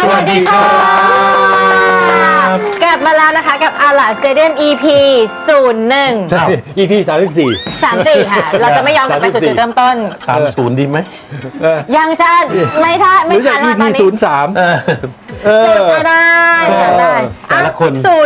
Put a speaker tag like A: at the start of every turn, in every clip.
A: วัสดีครับกลับมาแล้วนะคะกับอาลาสเตเดียม EP 01
B: EP 34
A: ค่ะ เราจะไม่ยอมกลับไปสู่จุดเริ่มต้น
C: 30ดีไหม
A: ยังจะไม่ทัน
B: หรือจาก
A: แล้ว
B: EP
A: ตอนนี้
B: 03
A: ได้
C: แต่ละคน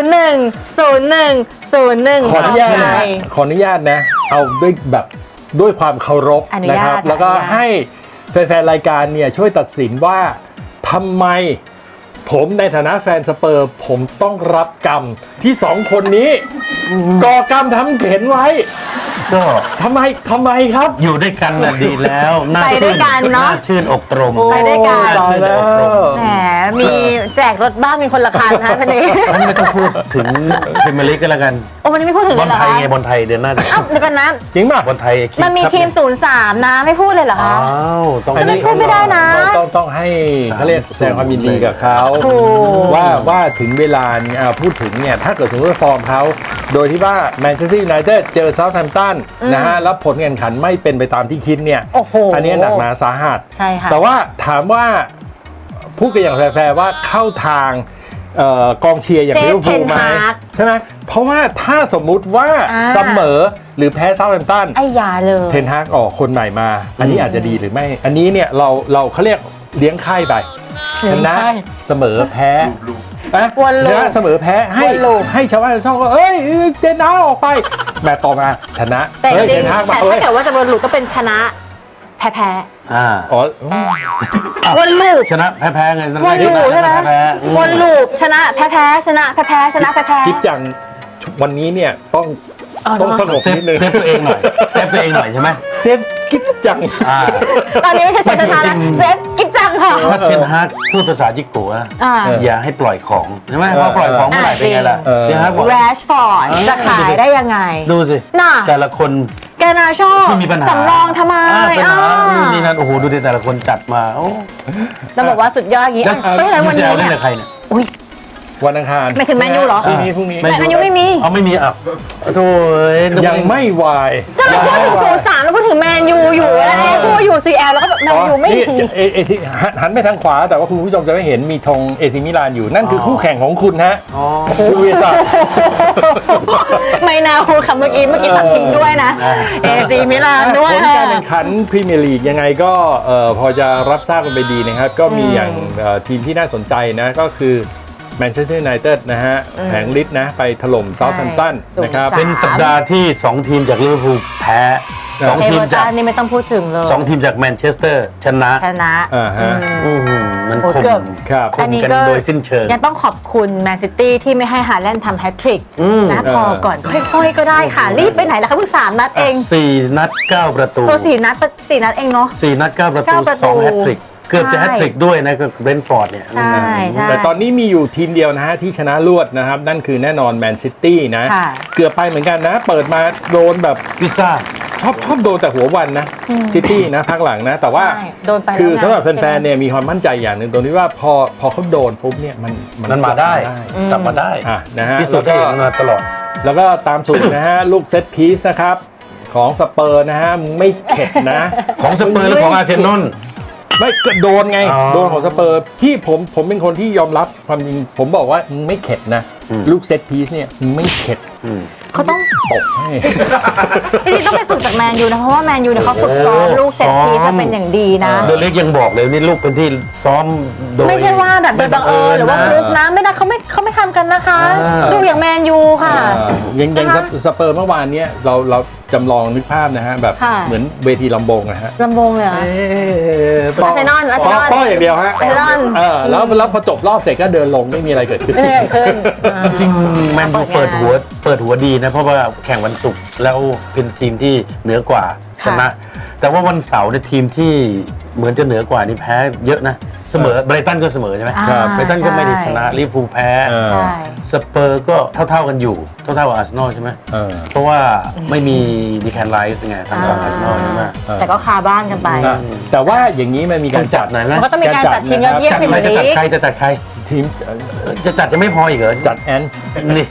A: 01
B: ขออนุญาตนะขออนุญาตนะ เอาด้วยความเคารพนะครับ แล้วก็ให้แฟนๆรายการเนี่ยช่วยตัดสินว่าทำไมผมในฐานะแฟนสเปอร์ผมต้องรับกรรมที่สองคนนี้ก่อกรรมทำเข็นไว้
C: ก็
B: ทำไมครับ
C: อยู่ด้วยกันน่ะดีแล้วน่า
A: ไปด้วยกันเนาะ
C: ชื่นอกตรม
A: ไปด้วยกัน
B: ตายแล้ว
A: แหมมีแจกรถบ้างมีคนละคันนะท่านนี้
C: งั้นไม่ต้องพูดถึงพรีเมียร์ลีกก็แล้วกัน
A: โอ้วันนี้ไม่พูดถึง
C: บ
A: เล
C: อย ล
A: เหรอ
C: ไทย
A: คะ
C: ไงบอลไทยเดือนหน้า
A: อ้าวเดี๋ยวกันนะ
B: จริงป่ะ
C: บอลไทย
A: มันมีทีม 03 นะไม่พูดเลยเหรอ
C: อ้า
A: คะ
C: วต้อง
A: จะไม่พูดไม่ได้นะ
B: ต้องให้เขาเรียกแสดงความยินดีกับเขา
A: ถูก
B: ว่าถึงเวลาเนี่ยพูดถึงเนี่ยถ้าเกิดสมมติว่าฟอร์มเขาโดยที่ว่าแมนเชสเตอร์ยูไนเต็ดเจอเซาท์แฮมป์ตันนะฮะแล้วผลการแข่งขันไม่เป็นไปตามที่คิดเนี่ย
A: โอ้โห
B: อันนี้หนักหนาสาหัส
A: ใช่ค่ะ
B: แต่ว่าถามว่าพูดกันอย่างแฟร์ๆว่าเข้าทางกองเชียร์อย่าง
A: เซฟ
B: ลิเวอร์พูลไหม
A: เทนฮาก
B: ใช่ไหมเพราะว่าถ้าสมมุติว่าเสมอหรือแพ้เซาท์แฮมป์ตัน
A: ไอ้ยาเลย
B: เทนฮากออกคนใหม่มา อันนี้อาจจะดีหรือไม่ อันนี้เนี่ยเราเขาเรียกเลี้ยงไข่ไป ชนะเสมอแพ้ชนะเสมอแพ้ให้ชาวบ้านชาวช่องก็เอ้ยเทนฮากออกไปแมตต์ต่อมาชนะ
A: แต่จ
B: เฮ้ย
A: ริ
B: เท
A: ง
B: นฮาก
A: ๆ
B: มา
A: แต่
B: เอ้
A: ถ้าย เกิดว่าจะวนลูปก็เป็นชนะแพ้
B: อ๋อ
A: วนลูป
C: ชนะแพ้ไง
A: วนลูปใช่ไหม
C: แพ้
A: วนลูปชนะแพ้ชนะแพ้ชนะแพ้
B: จิ๊บจังวันนี้เนี่ยต้องสงบ
C: เซฟ
B: นิดนึง
C: ตัวเองหน่อยเซฟตัวเองหน่อยใช่ไหม
B: เซฟกิ๊บจัง
A: ตอนนี้ไม่ใช่เซฟชนะแล้วเซฟกิ๊บจังค่ะ
C: ถ้าเทนฮากพูดภาษาจิกโกะนะ
A: อ่า
C: อย่าให้ปล่อยของใช่ไหมพอปล่อยของเมื่อไหร่เป็นไงล่ะเทนฮากบอก
A: แรชฟอร์ดจะขายได้ยังไง
C: ดูสิ
A: น่ะ
C: แต่ละคน
A: แกนาโชค
C: ที่มีปัญหา
A: สำรองทำไม
C: ปัญหานี่นั่นโอ้โหดูดิแต่ละคนจัดมาโอ้
A: เราบอกว่าสุดยอดอย่างนี้
C: แล้ว
A: เพราะฉะนั้น
C: ยู
A: วัน
C: เซ
A: นี้
C: ลเล่น
A: เนี่ย
C: กับใครเนี่ย
A: อุ้ย
B: วันอังคาร
A: ไม่ถึงแมนยูเหรอ
B: พรุ่งนี้
A: แมนยูไม่มี
C: เอาไม่มีอ่ะโถ่นึกว่า
B: ยังไม่วาย
A: ก็เราพูดถึง03แล้วพูดถึงแมนยูอยู่แล้วพูดอยู่ CL แล้วก็แบบแมนยูไม่
B: นี่
A: มี
B: เอซีหันไปทางขวาแต่ว่าคุณผู้ชมจะไม่เห็นมีธงเอซิมิลานอยู่นั่นคือคู่แข่งของคุณฮะคุณวิศักดิ์
A: ไม่นาคูคำเมื่อกี้ตัดทิ้งด้วยนะเอซีมิลานด้วย
B: ผลการแข่งขันพรีเมียร์ลีกยังไงก็พอจะรับทราบกันไปดีนะครับ ก็มีอย่างทีมที่น่าสนใจนะก็คือแมนเชสเตอร์ยูไนเต็ดนะฮะแผงฤทธิ์นะไปถล่มเซาท์แฮมป์ตันนะครับ
C: เป็นสัปดาห์ที่ 2 ทีมจากลิเวอร์พูลแพ้2
A: เอ
C: ที
A: เว
C: ม
A: อร์
C: จา
A: ตั
C: ก
A: นนี่ไม่ต้องพูดถึงเลย
C: 2 ทีมจากแมนเชสเตอร์ชนะ
B: อ่าฮะ
C: มัน
A: โอ้
C: คม
A: เกือบ
B: ครับ
C: คมกันโดยสิ้นเชิง
A: ยังต้องขอบคุณแมนซิตี้ที่ไม่ให้ฮาแลนด์ทำแฮตทริกนะพอก่อนค่อยๆก็ได้ค่ะ รีบไปไหนล่ะคะเพิ่ง3 นัดเอง
C: 4 นัด 9 ประตู
A: ตัว4 นัดเองเนาะ
C: 4 นัด 9 ประตู
A: 9 ประตู
C: 2 แฮตทริก เกือบจะ
A: ใช่
C: แฮตทริกด้วยนะก็เบรนท์ฟอร์ดเนี่ย
A: ใช่ใช่
B: แต่ตอนนี้มีอยู่ทีมเดียวนะฮะที่ชนะรวดนะครับ นั่นคือแน่นอนแมนซิตี้นะ
A: ค่ะ
B: เกือบไปเหมือนกันนะ เปิดมาโดนแบบ
C: พิซซ่า
B: ชอบโดนแต่หัววันนะซิตี้นะพักหลังนะ แต่ว่า
A: ใช่โดนไปแล้ว
B: คือสำหรับ
A: ใช่ไหม
B: แฟนๆเนี่ยมีความมั่นใจอย่างหนึ่งตรงที่ว่าพอเขาโดนปุ๊บเนี่ยมัน
C: มันมาได้ กลับมาได้
B: อ่ะนะฮะ
C: พิสูจน์ได้อย่างมาตลอด
B: แล้วก็ตามสูตรนะฮะ ลูกเซตพีซนะครับของสเปอร์นะฮะมึงไม่เข็ดนะ
C: ของสเปอร์และของอาร์เซนอล
B: ไม่ก็โดนไง
C: อ๋อ
B: โดนของสเปอร์พี่ผมเป็นคนที่ยอมรับความจริงผมบอกว่ามึงไม่เข็ดนะ ลูกเซตพีซเนี่ยมึงไม่เข็ด
A: เขาต้อง
B: ตกให้
A: จริงๆต้องไปฝึกจากแมนยูนะเพราะว่าแมนยูเนี่ยเขาฝึกซ้อมลูกเซตพีซจะเป็นอย่างดีนะ
C: โดยเล็กยังบอกเลยนี่ลูกเป็นที่ซ้อมโดย
A: ไม่ใช่ว่าแบบโดยบังเอิญหรือว่าฟลุกนะไม่ได้เขาไม่ทำกันนะคะ ดูอย่างแมนยูค่ะ
B: ยัง
A: นะคะ
B: สเปอร์เมื่อวานเนี้ยเราจำลองนึกภาพนะฮะแบบ
A: ค่ะ
B: เหมือนเวทีลำโพงนะฮะ
A: ลำวงเลยเหรอ อาร์เซนอล
B: ป้ออย่างเดียวฮะ
A: อาร์เซนอล
B: แล้วพอจบรอบเสร็จก็เดินลงไม่มีอะไรเกิดขึ้น
A: ไม่ได้ขึ้น
C: จริงๆแมนยูเปิดหัวดีนะ เพราะว่าแข่งวันศุกร์แล้วเป็นทีมที่เหนือกว่าชนะ แต่ว่าวันเสาร์ในยทีมที่เหมือนจะเหนือกว่านี่แพ้เยอะนะเสมอไบรตันก็เสมอใช่ไหม
B: ครับ
C: ไบรตันก็ไม่ได้ชนะลิเวอร์พูลแพ้
A: ใช่
C: สเปอร์ก็เท่ากันอยู่เท่ากับอาร์เซนอลใช่ไหม
B: เออ
C: เพราะว่าไม่มีดีแคนไลท์ไงทางฝั่งอาร์เซนอลใช่ไหม
A: แต่ก็คาบ้านกันไป
B: แต่ว่าอย่างนี้มันมีการจัด
C: หน่อยนะ
A: มันก็ต้องมีการจัดทีมยอดเยี่ยม
C: จัด
A: ให้
C: ไหม
A: แบบ
C: จะจัด
A: นี้
C: ใครจะจัดใคร
B: ทีม
C: จะจัดจะไม่พออีกเหรอ
B: จัดแอน
C: นี่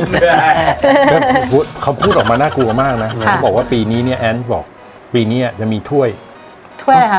B: เขาพูดออกมาน่ากลัวมากนะ
A: ค่ะ
B: เขาบอกว่าปีนี้เนี่ยแอนบอกปีนี้จะมีถ้วย
A: ถ้วยอะไรคะ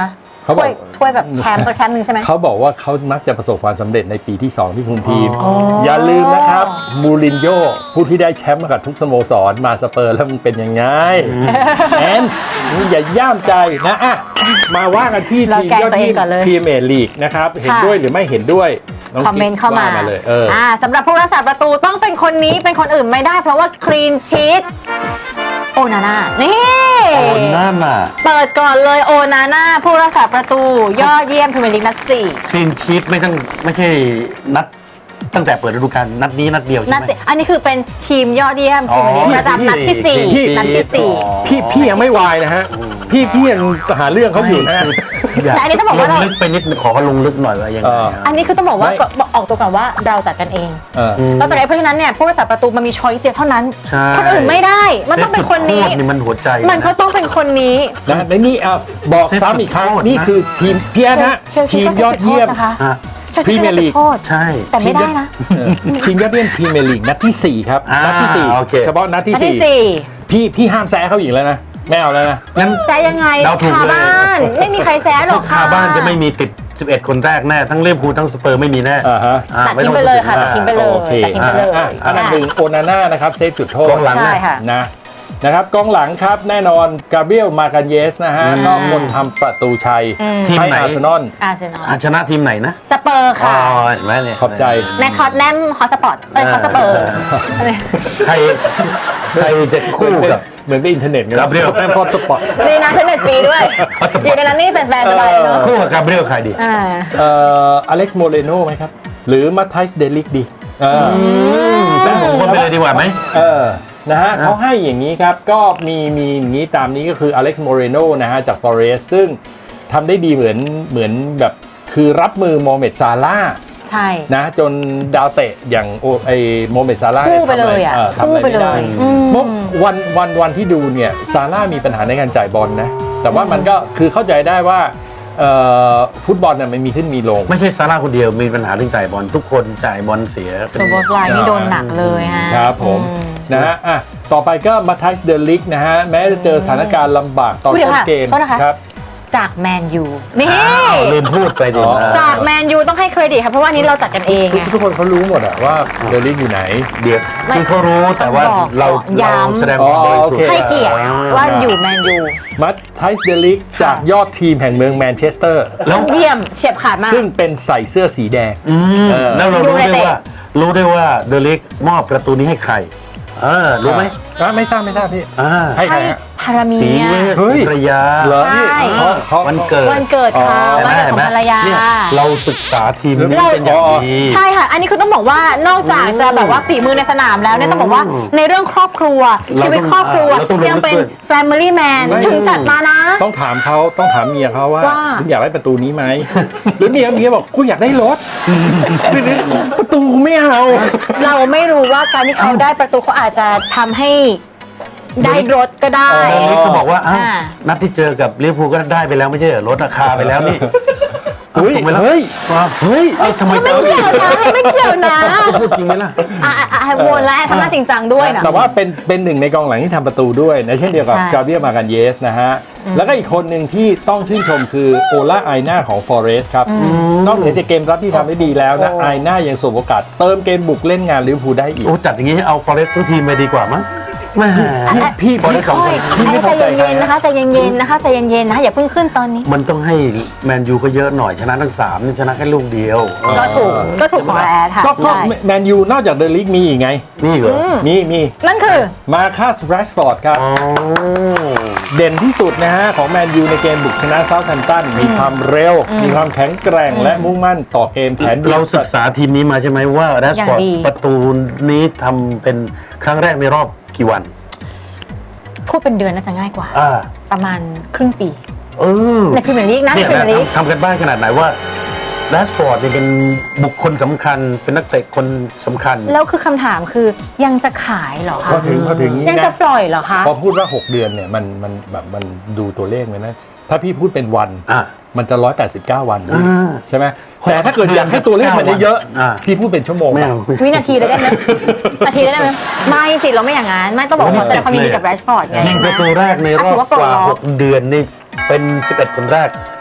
B: เขาบอก
A: ถ้วยแบบแชมป์สักแชมป์หนึ่งใช่ไหม
B: เขาบอกว่าเขามักจะประสบความสำเร็จในปีที่ 2 ที่คุมทีม อย่าลืมนะครับมูรินโญ่ผู้ที่ได้แชมป์มากับทุกสโมสรมาสเปอร์แล้วมันเป็นยังไงแอนส์นี่อย่าย่ามใจนะอ่ะมาว่ากันที่
A: เรา
B: ทีม
A: แกล้ง
B: ยอด
A: ตัวเอง
B: เยี่ยม
A: ก่อนเลย
B: พรีเมียร์ลีกนะครับเห็นด้วยหรือไม่เห็นด้วยน้ง
A: คอมเมนต์เข้ามา
B: ว่เลย
A: สำหรับผู้รักษาประตูต้องเป็นคนนี้เป็นคนอื่นไม่ได้ เพราะว่าคลีนชีตโอนาน่านี่
C: โอนนั่นน่ะ
A: เปิดก่อนเลยโอนาน่าผู้รักษาประตูยอดเยี่ยมพรีเมียร์ลีกนัด 4
C: คลีนชีตไม่ใช่นัดตั้งแต่เปิดฤดูกาลนัดนี้นัดเดียวใช่
A: นัด
C: ไหม
A: สี่อันนี้คือเป็นทีมยอดเยี่ยมพรีเมียร์ลีกประจำนัดที่ 4 นัดที่
B: พี่ยังไม่วายนะฮะพี่ยังหาเรื่องเขาอยู่นะฮะ
A: แต่อันนี้ต้องบอกว่าเรา
C: ลงลึกไปนิดขอเขาลงลึกหน่อยว่ายังไง
A: 4 อันนี้คือต้องบอกว่า
B: ไม่
A: ออกตัวก่อนว่าเราจัดกันเอง
B: เออ
A: เราจัดกันเองเพราะฉะนั้นเนี่ยผู้รักษาประตูมันมีช้อยส์เดียวเท่านั้น
C: ใช่
A: คนอื่นไม่ได้ มันต้องเป็นคนนี้
C: เซฟจุดโทษนี่มันหัวใจ
A: มันก็ต้องเป็นคนนี้
B: นะในนี่เอาบอกซ้ำอีกครั้ง
C: เซฟจุดโทษนะ
B: นี่คือทีมพี่แอนฮะ
A: เชลซี
B: ทีม
A: ก็
B: ยอดเยี่ยม
A: นะคะ
C: ฮะ
A: เชลซี
B: พรีเมียร์ลีก
A: ก็โทษ
C: ใช่
A: แต่ไม่ได้นะ
B: ทีมยอดเยี่ยมพรีเมียร์ลีกนัดที่ 4 ครับ นัดที่
C: โอเค
B: 4 เฉพาะนัดที่
A: นัดที่
B: 4 พี่ห้ามแซะเขาอีกแล้วนะไม่เอาแล้วนะ
C: งั้น
A: 4แซะยังไง
C: เราถูก
A: คา
C: เลย
A: บ้านไม่มีใครแซะหรอก
C: คาบ้านจะไม่มีติด 11 คนแรกแน่ ทั้งลิเวอร์พูลทั้งสเปอร์ไม่มีแน่
B: อ่าฮะ
A: ตัด
C: ไม่
A: ทิ้
C: อง
A: ไปเลยค่ะ
C: พู
A: ตั
C: ด
A: ด
C: ถึ
A: ทิ้งไปเลย
B: โอเค
A: ตัดทิ้งไปเลย
B: อันดับหนึ่งโอนาน่านะครับเซฟจุดโทษ
C: กองหลัง
A: ใช่ค่ะ
B: นะครับกองหลังครับแน่นอนกาเบรียลมากันเยสนะฮะก็คนทำประตูชัย
C: ทีม
B: ให้
C: ไหน
B: อาร์เซนอล
A: อาร์เซนอล
C: ชนะทีมไหนนะ
A: สเปอร์
C: อ๋อ
A: ค่ะ
C: เห็นไหมเนี่ย
B: ขอบใจ
A: แมคคอตแนมฮอสปอร์ตฮอสเปอร์
C: ใครจะคู่กับ
B: เหมือนกับอินเทอร์เน็ตไง
C: กาเบรียล
B: แม่พอดสปอต
A: นี่นะฉันเน็ตฟรีด้วย อยู่ในนั้นนี่แฟนๆสบายเนาะ
C: คู่กับกาเบรียลใครดี
B: อเล็กซ์โมเรโนไหมครับ หรือมาไทส์เดลิกดี
C: เป็นผมคนไปเลยดีกว่าไหม
B: นะฮะเขาให้อย่างนี้ครับ ก็มีอย่างนี้ตามนี้ก็คืออเล็กซ์โมเรโนนะฮะจากฟอเรสซึ่งทำได้ดีเหมือนแบบคือรับมือโมเมดซาร่าห์
A: ใช่
B: นะจนดาวเตะอย่างโมเมดซาร่าห์
A: คู่ไปเลยอะ
B: ทำอะไร
A: คู่ไป
B: ไม่ได้
A: เลย
B: เมื่อวันที่ดูเนี่ยซาร่าห์มีปัญหาในการจ่ายบอลนะ แต่ว่ามันก็คือเข้าใจได้ว่าฟุตบอลน่ะมันมีขึ้นมีลง
C: ไม่ใช่ซาร่าคนเดียวมีปัญหาเรื่องจ่ายบอลทุกคนจ่ายบอลเสีย
A: โซโบสไลน์นี่โดนหนักเลยฮะ
B: ครับผมนะฮะอ่ะต่อไปก็มาไทส์เดลิกนะฮะแม้จะเจอสถานการณ์ลำบากตอน
A: อุ๊ยเดี๋
B: ต้
A: ยวน ค่ะ
B: เกม
A: โทษนะคะ
B: ครับ
A: จากแมนยูนี่
C: ลืมพูดไปดิ
B: อ๋อ
A: จากแมนยูต้องให้เครดิตค่ะเพราะว่านี้เราจัดกันเองไง
B: ทุกคนเขารู้หมดอะว่าเดลิกอยู่ไหน
C: เดี๋ยว
A: ไม่
C: คือเขารู้แต่ว่า
A: บอก
C: เรา
A: ย้ำ
C: แสดงความบริสุทธิ์
A: ให้เกียรติว่าอยู่แมนยู
B: มาไทส์เดลิกจากยอดทีมแห่งเมืองแมนเชสเตอร์
C: แล้ว
A: เยี่ยมเฉียบขาดมาก
B: ซึ่งเป็นใส่เสื้อสีแดง
C: แล้วเรารู้ได้
A: United
C: ว่าเดลิกมอบประตูนี้ให้ใครรู้ไหม
B: ไม่ทราบพี่ ให้ใครฮะ
A: พารามี
C: สี
A: ย
C: เวส
B: เฮ้ย
C: ภรรยา
B: เหรอ
A: ใช่
B: เพราะ
C: วันเกิด
A: วันเกิดเขา
C: เห็น
A: วัน
C: ไหม
A: เกิด
C: เห็
A: ข
C: น
A: อง
C: ไหม
A: ภรรยา
C: เนี่ยเราศึกษาทีมนี้เป็นอย่างดี
A: ใช่ค่ะ อันนี้คือต้องบอกว่านอกจากจะแบบว่าฝีมือในสนามแล้วเนี่ยต้องบอกว่าในเรื่องครอบครัว
C: เราต้อง
A: ชีวิตครอบครัว
C: เราต้อง
A: ยังเป็น
C: รู้ด้วย
A: Family Man
B: ไม่
A: ถึงจัดมานะ
B: ต้องถามเมียเขาว่า
A: ว่า
B: คุณอยากได้ประตูนี้ไหม หรือเมียบอกกูอยากได้รถประตูกูไม่เอา
A: เราไม่รู้ว่าการที่เขาได้ประตูเขาอาจจะทำให้ได้รถก็ได้
C: เดลิกก็บอกว่าอ้าว
A: อ่า
C: นัดที่เจอกับลิเวอร์พูลก็ได้ไปแล้วไม่ใช่เหรอลดราคาไปแล้วนี่
B: เฮ้ย
C: ถูกไหมล่ะ
B: เฮ้ย เฮ้ย
C: เอ้าทำไม
A: ไม่เกี่ยวนะไม่เกี่ยวนะ
C: พูดจริงไหมล่ะ
A: วนแล้วทำหน้าจริงจังด้วยนะ
B: แต่ว่าเป็นหนึ่งในกองหลังที่ทำประตูด้วยนะเช่นเดียวกับ
A: ใช่
B: กาเบรียลมากันเยสนะฮะ แล้วก็อีกคนหนึ่งที่ต้องชื่นชมคือโอลาไอน่าของฟอเรสครับ นอกเหนือจากเกมรับที่ทำได้ดีแล้วนะไอน่ายังสวมโอกาสเติมเกมบุกเล่นงานลิเวอร์พูลได้อีก
C: โอ้จัดอย่างนี้เอาฟอเรสต์ทั้งทีมไปดีกว่ามั้งแม่
B: พี่
C: ฟอเรสต์สองคน
B: พี่ไม่พอใจ
A: ใจ
B: ใคร
A: เย็นๆนะคะใจเย็นๆนะคะใจเย็นๆนะคะอย่าเพิ่งขึ้นตอนนี้
C: มันต้องให้แมนยูก็เยอะหน่อยชนะทั้ง3นี่ชนะแค่ลูกเดียว
A: ก็ถูกของแอดค่ะ
B: ก็
A: ใช่
B: แมนยูนอกจากเดลิกมีอีกไง
C: นี่เหรอ
B: มี
A: นั่นคือ
B: มาค่าสแรชฟอร์ดครับ
C: อ๋อ
B: เด่นที่สุดนะฮะของแมนยูในเกมบุกชนะเซาท์แฮมป์ตันมีความเร็ว มีความแข็งแกร่งและมุ่งมั่นต่อเกมแผนดี
C: เราศึกษาทีมนี้มาใช่ไหมว่าแรชฟอร์ด
A: อย่างดี
C: ประตูนี้ทำเป็นครั้งแรกในรอบกี่วัน
A: พูดเป็นเดือนน่าจะง่ายกว่า
C: อ่า
A: ประมาณครึ่งปี
C: เออ
A: ในพรีเมียร์ลีกนะใน
C: เนี่ย
A: พรีเมียร์ลีก
C: ทำกันบ้านขนาดไหนว่าแรชฟอร์ดเนี่ยเป็นบุคคลสำคัญเป็นนักเตะคนสำคัญ
A: แล้วคือคำถามคือยังจะขายเหรอคะ
B: พอถึง
A: ยัง
B: นี่
A: จะ
B: นะ
A: ปล่อยเหรอคะ
B: พอพูดว่า 6 เดือนเนี่ยมันแบบมันดูตัวเลขเลยนะ ถ้าพี่พูดเป็นวัน
C: อ่ะ
B: มันจะ 189 วัน
C: อ่า
B: ใช่ไหมแต่ถ้าเกิดอยากให้ตัวเลขมันเยอะ
C: อ่า
B: ๆพี่พูดเป็นชั่วโมง
C: ไม่เอา
A: วินาทีเลยได้ไหมนาทีเลยได้ไหมไม่สิเราไม่อย่างนั้นไม่ต้องบอกขอแสดงความยินดีกับแรชฟอร์ดไง
C: ยิงประตูแรกในรอบ
A: ถือว่าปล
C: ก
A: ด
C: ว่า
A: ล็อก
C: 6 เดือนนี่เป็น 11 คนแรก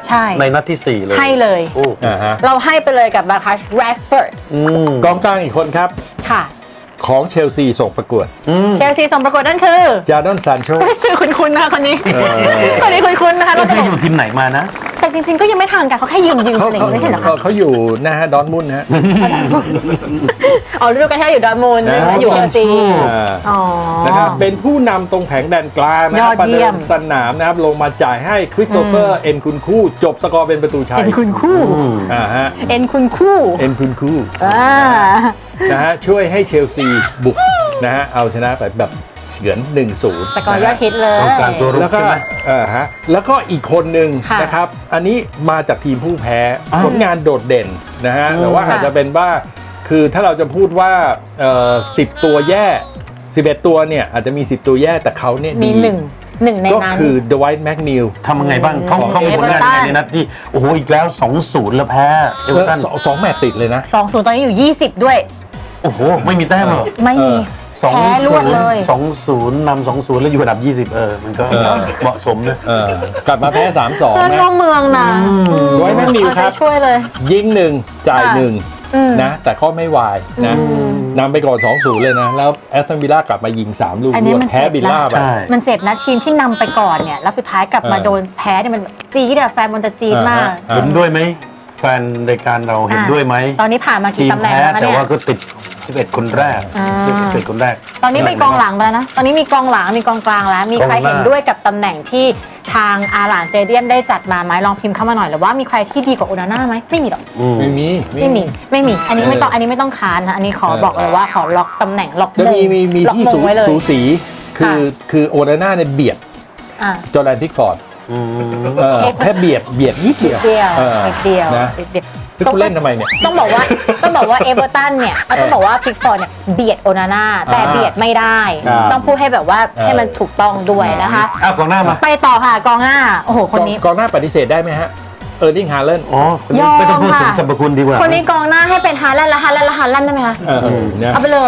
A: ใช่
C: ในนัดที่ 4 เลย
A: ให้เลย
C: โอ้
B: ฮะ
A: เราให้ไปเลยกับมาคัสแรชฟอร์ด
B: กองกลางอีกคนครับ
A: ค่ะ
B: ของเชลซีส่งประกวด
A: เชลซีส่งประกวดนั่นคือ
B: จาดอนซานโช
A: ชื่อคุ้นๆนะคะคนนี้คนนี้คุ้นๆนะคะ
C: แล้
A: เรา
C: ว
A: จะ
C: ที่
A: บอ
C: อก ยู่ทีมไหนมานะ
A: แต่จริงๆก็ยังไม่ทางกันเขาแค่ยืมอะไรอย่างเงี้ยไม่ใช่เหรอคะ
B: เขาอยู่นะฮะดอร์ทมุนด์ฮะ
A: อ๋อฤดูกาลที่แล้วอยู่ดอร์ทมุนด์
B: นะ
A: อยู่เชลซี
B: อ่า
A: อ๋อ
B: นะครับเป็นผู้นำตรงแผงแดนกลางนะค
A: ย
B: รั
A: อบ ด
B: ประ
A: เยี่
B: เดิ
A: ยม
B: มสนามนะครับลงมาจ่ายให้คริสโตเฟอร์เอ็นคุนคู่จบสกอร์เป็นประตูชัย
A: เอ็นคุณคู่
B: ฮะ
A: เอ็นคุณคู่
B: เอ็นคุนคู่
A: อ่า
B: นะฮะช่วยให้เชลซีบุกนะฮะเอาชนะไปแบบเฉือน 1-0
A: สกอร์ยอดฮิตเลย
C: กองกลางตัวรุก
B: แล้วก็
C: ใช่ไหม
B: แล้วก็อีกคนหนึ่ง
A: ค่ะ
B: นะครับ อันนี้มาจากทีมผู้แพ้ผลงานโดดเด่นนะฮะแต่ว่า
A: ค่ะ
B: อาจจะเป็นว่าคือถ้าเราจะพูดว่า10 ตัวแย่ 11 ตัวเนี่ยอาจจะมี 10 ตัวแย่แต่เขาเนี่ย
A: มี
B: ดี
A: หนึ่งใน
B: ก็
A: นั้น
B: คือเดอะไวท์แมกนิล
C: ทำยังไงบ้างเขามีผลงานยังไงในนัดที่ โอ้โห อีกแล้ว 2-0 แล้วแพ้เอเวอร์ตัน
B: สองแมตช์ติดเลยนะ
A: 2-0 ตอนนี้อยู่ 20 ด้วย
C: โอ้โห ไม่มีแต้มเหรอ
A: ไม่มี แพ้รวดเลย
C: 2-0 นำ 2-0 แล้วอยู่อันดับ 20 มันก็เหมาะสมนะ
B: กลับมาแพ้ 3-2
A: เพื่อน
B: นะ
A: ร่วมเมืองนะ
B: ไว้แมกนิลครับ
A: เอาใจช่วยเลย
B: ยิง 1 จ่าย 1 นะ แต่ก็ไม่วายนะนำไปก่อน 2-0 เลยนะ แล้วแอสตันวิลล่ากลับมายิง 3 ลูก
A: อันนี้
B: รวด
A: มัน
B: แพ้
A: เจ็บนะ
B: วิลล่าไป
C: ใช่
A: มันเจ็บนะทีมที่นำไปก่อนเนี่ย แล้วสุดท้ายกลับมา
B: เออ
A: โดนแพ้เนี่ยมันจี๊ดอะแฟนมันจะจี๊ดมาก
C: เห็นด้วยไหม แฟนรายการเราเห็นด้วยไหม
A: ตอนนี้ผ่านมา
C: ที
A: กี่
C: ม
A: ตำแหน่ง
C: แพ้
A: แล้วคะ
C: แต่
A: เนี่ย
C: ว่าก็ติด 11 คนแรก 11 คนแรก
A: ตอนนี้มีกองหลังไปแล้วนะ ตอนนี้มีกองหลังมีกองกลางแล้ว มีใคร
C: กองหน้า
A: เห็นด้วยกับตำแหน่งที่ทางอาหลานสเตเดียมได้จัดมาไหมลองพิมพ์เข้ามาหน่อยหรือว่ามีใครที่ดีกว่าโอนาน่าไหมไม่มีหรอก
B: ไม่มี
A: ไม่มี อันนี้ไม่ต้อง อันนี้ไม่ต้องค้านนะ อันนี้ขอบอกเลยว่าขอล็อกตำแหน่งล็อก
B: จะ
A: มง
B: มี
A: ล็อก
B: ที่
A: มงไว้เลย
B: สูสีคือโอนาน่าเนี่ยเบียด
A: อ่ะ
B: จอร์แดนพิกฟอร์ดแค่เบียดนิดเดียว
A: เดียว
B: ออ
A: นิดเดียว
B: นะ
A: นิดเดียว
B: ที่คุณเล่นทำไมเนี่ย
A: ต้องบอกว่าเอเวอร์ตันเนี่ยต้องบอกว่าพิกฟอร์ดเนี่ยเบียดโอนาน่าแต่เบียดไม่ได้
B: ครับ
A: ต้องพูดให้แบบว่าให้มันถูกต้องด้วยนะคะ
C: กองหน้ามา
A: ไปต่อค่ะกองหน้าโอ้โหคนนี้
B: กองหน้าปฏิเสธได้ไหมฮะเออร์ลิงฮาเลน
C: อ๋อคนนี้
A: ยอม
C: ไม่ต้องพูดถึง
A: ค่ะ
C: สรรพคุณดีกว่า
A: คนนี้กองหน้าให้เป็นฮาแลนด์และฮาแลนด์และฮาแลนด์ได้ไหมคะ
B: นะ
A: เอาไปเลย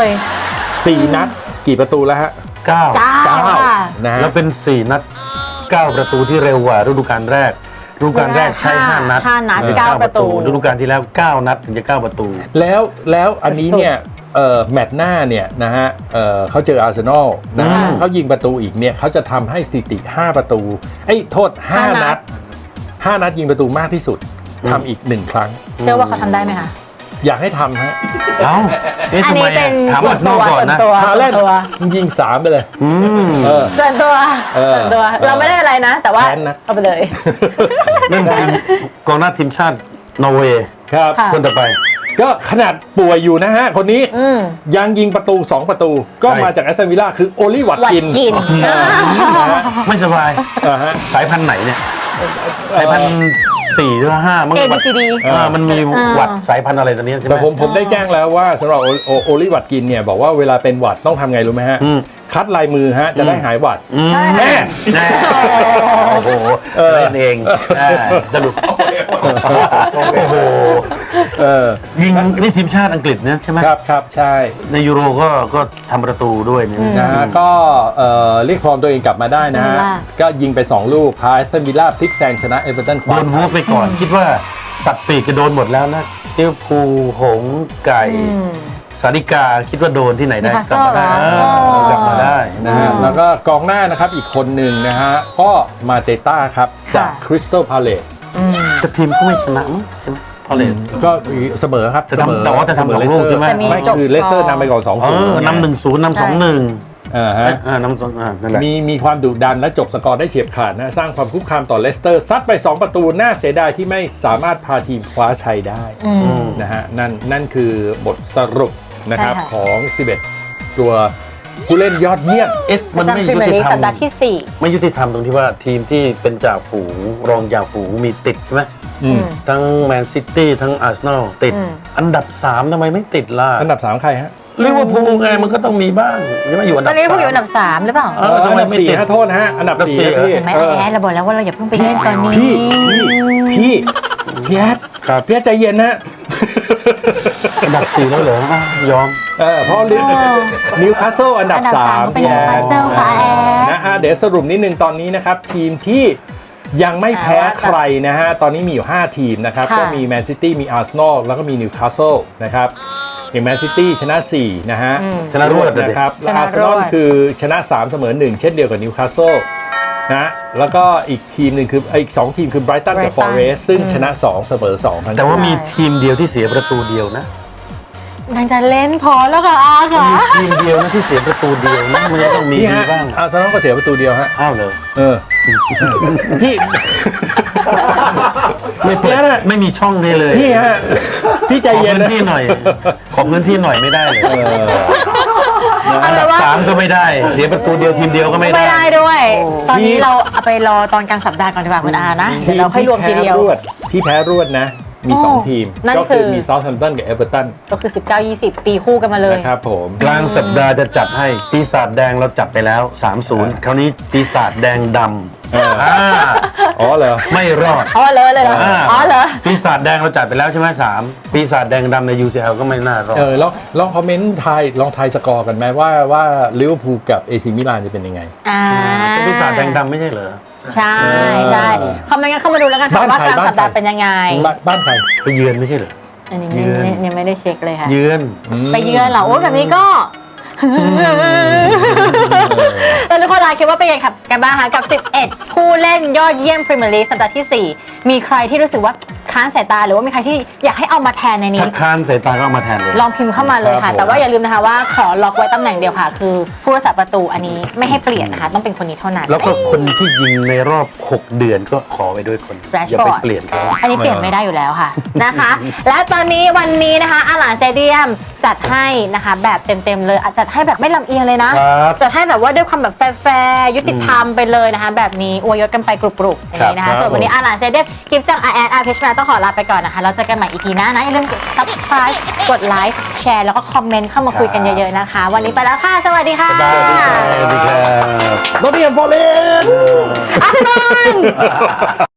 B: 4 นัดกี่ประตูแล้วฮะ
C: 9
A: 9ค่ะ
B: นะฮะ
C: แล้วเป็น 4 นัด 9 ประตูที่เร็วกว่าฤดูกาลแรกฤดูกาลแรกใช้ 5 นัด
A: 5 นัด
C: ถึง
A: 9 ประตู
C: ฤดูกาลที่แล้ว 9 นัดถึงจะ 9 ประตู
B: แล้วอันนี้เนี่ยแมตช์หน้าเนี่ยนะฮะเขาเจออาร์เซนอลนะฮะเขายิงประตูอีกเนี่ยเขาจะทำให้สถิติ 5 ประตูโทษ 5 นัด 5 นัดยิงประตูมากที่สุดทำอีก 1 ครั้ง
A: เชื่อว่าเขาทำได้ไหมคะ
B: อยากให้ทำฮะ
C: เอ้าเอ๊ะ
A: อัน
C: ทำ
A: นี้
C: ไม
A: เป็น
C: ถาม
A: ส่ว
C: อาน ร์เซน
A: ตั
C: อล
A: ว
C: ก่อน
A: ส่วน
C: นะ
A: ตัว
B: ฮาเลน
A: ส่วนตัว
B: ยิง 3 ไปเลย
A: ส่วนตัวส่วนตัวเราไม่ได้อะไรนะ แต่ว่า
B: แค้นนะ
A: เอาไปเลย
C: เรื่องทีมกองหน้าทีมชาตินอร์เวย์
B: ครับ
A: ค่ะ
C: คนต่อไป
B: ก็ขนาดป่วยอยู่นะฮะ คนนี้
A: อืม
B: ยังยิงประตู 2 ประตู ก็
C: ใช่
B: มาจากแอสตันวิลล่าคือโอลิวัต
A: วัด
B: กิน
A: กิน
B: นะฮะ
C: ไม่สบาย
B: ฮะ
C: สายพันธุ์ไหนเนี่ย สายพันธุ์4หรือ5มั้ง
A: A B C D
C: มันมีหวัดสายพันธุ์อะไรตัวนี้ใช่ไหม
B: แต่ผมได้แจ้งแล้วว่าสำหรับโอลิวัตกินเนี่ยบอกว่าเวลาเป็นหวัดต้องทำไงรู้ไหมฮะ คัดลายมือฮะจะได้หายหวัด
C: แน่โอ้โหเล่นเองสรุปโอ้โหยิงนี่ทีมชาติอังกฤษเนี่ยใช่ไหม
B: ครับใช่
C: ในยูโรก็ทำประตูด้วยเนี่ย
B: นะฮะก็เรียกฟอร์มตัวเองกลับมาได้นะฮะ
A: Villa
B: ก็ยิงไป 2 ลูกพาแอสตันวิลล่าพลิกแซงชนะเอเวอร์ตันค
C: โด
B: ว้าน
C: วูฟไปก่อน คิดว่าสัตว์ปีกจะโดนหมดแล้วนะเที่ยวภูหงส์ไก่สาริกาคิดว่าโดนที่ไหนได้กลับมาได้กลับมาได้
B: นะฮะแล้วก็กองหน้านะครับอีกคนหนึ่งนะฮะก็มาเตต้าครับจากคริสตัลพาเลส
C: แต่ทีมก็ไม่ชนะมั้งใช่ไหมพอเลส
B: ก็เสมอครับ
C: แต่ว่าจะทำสองลูกใช่ไหม
B: ไม่คือเลสเตอร์นำไปก่อน 2-0
C: นำ1-0นำ2-1
B: ฮะ
C: นำ2นั่นแหละ
B: มีความดุดันและจบสกอร์ได้เฉียบขาดนะสร้างความคุกคามต่อเลสเตอร์ซัดไป 2 ประตูน่าเสียดายที่ไม่สามารถพาทีมคว้าชัยได้นะฮะนั่นคือบทสรุปนะครับ
A: ใช่ค่ะ
B: ของ 11 ตัวผู้เล่นยอดเยี่ยม
C: เอ๊ะ
A: ป
C: มัน
A: ระ
C: ไม่
A: จำพรี
C: ยุ
A: เมียร์
C: ติ
A: ลีก
C: ธรร
A: สัป
C: ม
A: ดาห์ที่
C: ไม่ยุติธรรมตรงที่ว่าทีมที่เป็นจ่าฝูงรองจ่าฝูงมีติดใช่ไหมทั้งแมนซิตี้ทั้งอาร์เซนอลติด อันดับ 3ทำไมไม่ติดล่ะ
B: อันดับ 3 ใครฮะ
C: ลิเวอร์พูลไงมันก็ต้องมีบ้างใช่ไหมอยู่อัน
A: 4 ต
C: ดั
A: อบ นนี้พวกอยู่อันดับ 3 หรือเปล่า
C: ทำไม
B: อันดับ
C: ไม่
B: 4
C: ติด
B: ฮะโทษนะฮะอันดับ
C: อันดับ
B: 4
C: สี่
B: พี่
A: เห็นไหมแอดเราบอกแล้วว่าเราอย่าเพิ่งไปเล่นตอนนี้
B: พี่แอดพี่แอดใจเย็นนะ
C: อันดับ 4 แล้วเหรอยอม
B: เพราะนิวคาสเซิลอันดับ
A: อันดับสาม
B: 3
A: เป็น Newcastle ค่ะแอด
B: นะฮะเดี๋ยวสรุปนิดนึงตอนนี้นะครับ ทีมที่ยังไม่แพ้ใครนะฮะ ตอนนี้มีอยู่ 5 ทีมนะครับ ก็มีแมนซิตี้มีอาร์เซนอลแล้วก็มีนิวคาสเซิลนะครับอย่างแมนซิตี้ชนะ 4 นะฮะ
C: ชนะรวดเลย
B: นะครับแล้วอาร์เซนอลคือชนะ 3 เสมอ 1 เช่นเดียวกับนิวคาสเซิลนะแล้วก็อีกทีมหนึ่งคืออีก 2 ทีมคือไบรตันกับฟอเรสต์ซึ่งชนะ 2 เสมอ 2 ทั้ง
C: แต่ว่ามีทีมเดียวที่เสียประตูเดียวนะ
A: นางจะเล่นพอแล้วค่ะอาค่ะ
C: มีทีมเดียวนะที่เสียประตูเดียวนะมันจะต้องมี
B: พี่
C: ดี
B: ฮะ
C: บ้าง
B: อาร์เซนอลก็เสียประตูเดียวฮะ
C: อ้าวเลย
B: พี่
C: ไม่เปิดไม่มีช่องให้เลย
B: พี่ฮะพี่ใจ
C: ขอ
B: เย็น
C: พื้น
B: นะ
C: ที่หน่อย ขอพื้นที่หน่อยไม่ได้เลย
A: เอาเป็นว่า
C: 3ก็ไม่ได้ เสียประตูเดียวทีมเดียวก็ไม่
A: ไม่
C: ได้
A: ได้ด้วย ตอนนี้เราเอาไปรอตอนกลางสัปดาห์ก่อนดีกว่าคุณอานะเดี๋ยวเราค่อยรวมทีเดียว
B: ที่แพ้รวดนะ มี 2 ทีม
A: นั่น
B: ก็
A: คื
B: คือ มีเซาท์แฮมป์ตันกับเอเวอร์ตัน
A: ก็คือ 19-20 ตีคู่กันมาเลย
B: นะครับผม
C: กลางสัปดาห์จะจัดให้ปีศาจแดงเราจัดไปแล้ว 3-0 คราวนี้ปีศาจแดงดำ
B: อ๋อเหรอ
C: ไม่รอด
A: อ๋อเลยเหรออ๋อเหรอ
C: ปีศาจแดงเราจัดไปแล้วใช่ไหม3ปีศาจแดงดำใน UCL ก็ไม่น่ารอด
B: แล้วลองคอมเมนต์ลองทายสกอร์กันไหมว่าลิเวอร์พูลกับเอซิมิลานจะเป็นยังไง
C: เป็นปีศาจแดงดำไม่ใช่เหรอ
A: ใช่ใช่คอมเมนต์กันเข้ามาดูแล้วกันค่ะ
B: บ้าน
A: ว่า
B: ใคร
A: กลางสัปดาห์เป็นยังไง
B: บ้านใคร
C: ไปเยือนไม่ใช่เหรอ
A: อันนี้
C: เยือน
A: ยังไม่ได้เช็คเลยค่ะ
C: เยือน
A: ไปเยือนเหรอโอ้แบบนี้ก็แล้วทุกคนคิดว่าเป็นยังไงกันบ้างคะกับ 11 ผู้เล่นยอดเยี่ยมพรีเมียร์ลีกสัปดาห์ที่ 4 มีใครที่รู้สึกว่าค้านสายตาหรือว่ามีใครที่อยากให้เอามาแทนในนี้
C: ถ้าค้านสายตาก็เอามาแทนเลย
A: ลองพิมพ์เข้ามาเลย
B: ครั
A: ค่ะ
B: บผม
A: แต่ว่าอย่าลืมนะคะว่าขอล็อกไว้ตำแหน่งเดียวค่ะ คือผู้รักษาประตูอันนี้ไม่ให้เปลี่ยนนะคะ ต้องเป็นคนนี้เท่านั้น
C: แล้วก็คนที่ยิงในรอบ 6 เดือนก็ขอไปด้วยคน อย่าไป
A: Rashford
C: เปลี่ยนเขา
A: อันนี้เปลี่ยนไม่ได้อยู่แล้วค่ะ นะคะ และตอนนี้วันนี้นะคะอาหลานสเตเดียมจัดให้นะคะแบบเต็มๆเลยจัดให้แบบไม่ลำเอียงเลยนะ
C: ครับ
A: จัดให้แบบว่าด้วยความแบบแฟร์ๆยุติธรรมไปเลยนะคะ แบบนี้อวยยศกันไปกรุบๆอย่างนี้นะคะ
C: ครับ
A: ส่วนวันนี้อาหลานสเตเดียมกิฟต์ซังอาร์แอนอาร์เพชรมาต้องขอลาไปก่อนนะคะเราเจอกันใหม่อีพีหน้านะอย่าลืมกด subscribe กดไลค์แชร์แล้วก็คอมเมนต์เข้ามาคุยกันเยอะๆนะคะ วันนี้ไปแล้วค่ะสวัสดีค่ะ
C: สวัสดีครับ
B: โนเทียมฟอร์เรน
A: อาร์เซนอล